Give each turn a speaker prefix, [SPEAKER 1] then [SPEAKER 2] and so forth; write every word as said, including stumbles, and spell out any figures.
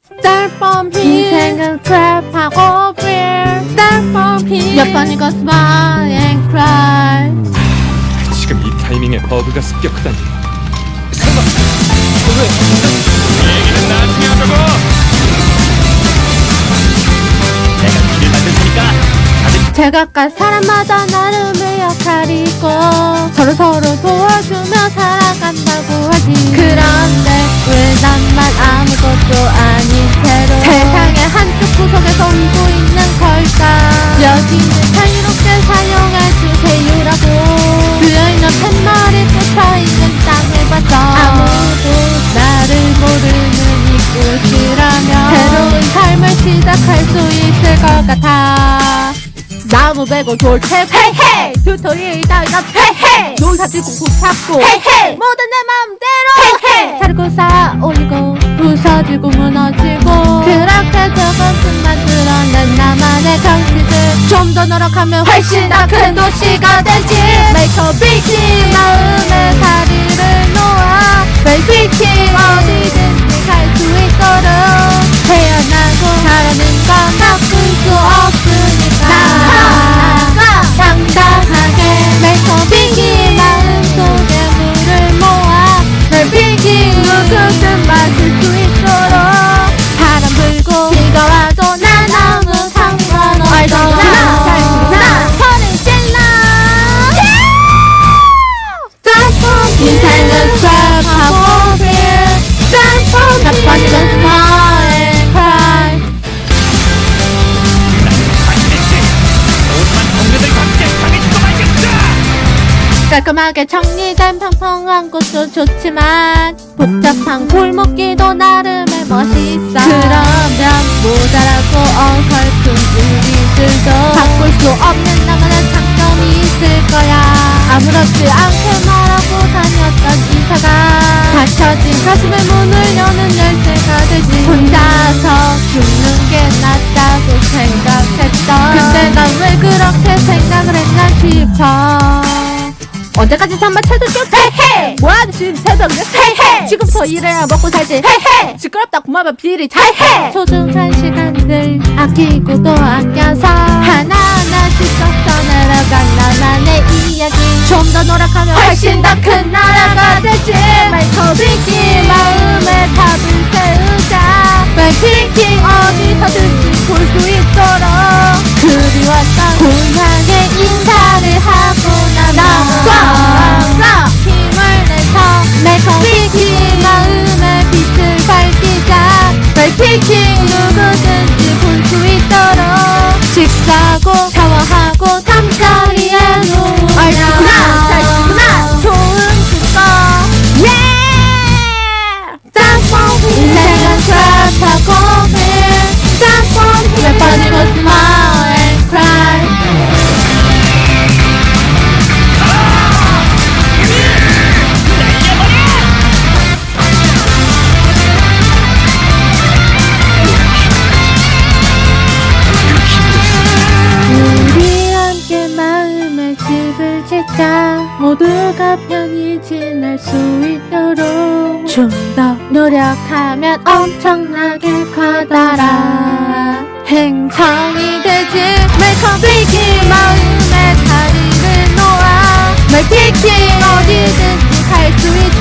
[SPEAKER 1] 쌀범피 인생은 트랩하고 빌 쌀범피 몇 번이고 smile and cry.
[SPEAKER 2] 지금 이 타이밍에 버그가 습격하다니. 설마 왜? 얘기는 나중에 하자고. 내가 길을 만들 테니까 다들
[SPEAKER 1] 제각각 사람마다 나름의 역할이 있고 서로 서로 도와주며 살아간다고 하지. 그런데 왜 나만 아무것도 아닌 채로 세상의 한쪽 구석에 살고 있는 걸까? 여기는 자유롭게 사용할 주세요라고 쓰여있는 팻말이 꽂혀있는 땅을 봤어. 아무도 나를 모르는 이곳이라면 새로운 삶을 시작할 수 있을 것 같아. 나무 베고 돌 캐고 헤이헤이 튜토리얼 따위가 헤이헤이 농사 짓고 국 잡고 헤이헤이 모든 내 마음대로 헤이헤이 자르고 쌓아 올리고 부서지고 무너지고 그렇게 조금씩 만들어낸 나만의 경치들 좀 더 노력하면 훨씬 더 큰 도시가 되지. Make a big deal 마음의 다리를 놓아 Make a big deal 어디든지 갈 수 있도록 태어나고 자라는 건 바꿀 수 없으니까 당당하게 Make a big deal 마음속에 물을 모아 Make a big deal 누구든 마실 수 있도록 바람 불고 비가 와도 난 아무 상관없어. 나 소리 질러 인생은 트랩하고 빌 몇 번이건 smile and cry.
[SPEAKER 2] 반드시 모든 동료들 함께 강해지고 말겠다.
[SPEAKER 1] 깔끔하게 정리된 평평한 곳도 좋지만 복잡한 골목길도 나름의 멋이 있어. 그러면 모자라고 어설픈 우리들도 바꿀 수 없는 나만의 장점이 있을 거야. 아무렇지 않게 말하고 다녔던 이사가 닫혀진 가슴의 문을 여는 열쇠가 되지. 혼자서 죽는 게 낫다고 생각했던 근데 난 왜 그렇게 생각을 했나 싶어. 언제까지 잠만 채둘게 헤이헤이 뭐하는 지금 새벽에 헤이헤이 지금부터 일해야 먹고 살지 헤이헤이 시끄럽다 고마워 비리 잘해. 소중한 시간들 아끼고 또 아껴서 하나하나씩 섞어 내려간 나만의 이야기 좀 더 노력하면 훨씬 더 큰 나라가 되지. Make a big deal 마음의 탑을 세우자 Make a big deal 어디서든지 볼 수 있도록 그리웠던 고향에 인사를 하고 나면 힘을 내서 Make a big deal 마음의 빛을 밝히자 Make a big deal 누구든지 볼 수 있도록 식사하고 샤워하고 잠자리에 누우면 얼씨구나 잘씨구나 좋은 축거 yeah! 짬뽕 인생은 트랩하고 빌 짬뽕 몇 번이고 smile and cry. 우리 함께 마음의 집을 짓자 모두가 편히 지낼 수 있도록 좀 더 노력하면 엄청나게 커다란 행성이 되지. Make a big deal 마음의 다리를 놓아 Make a big deal 어디든지 갈 수 있도록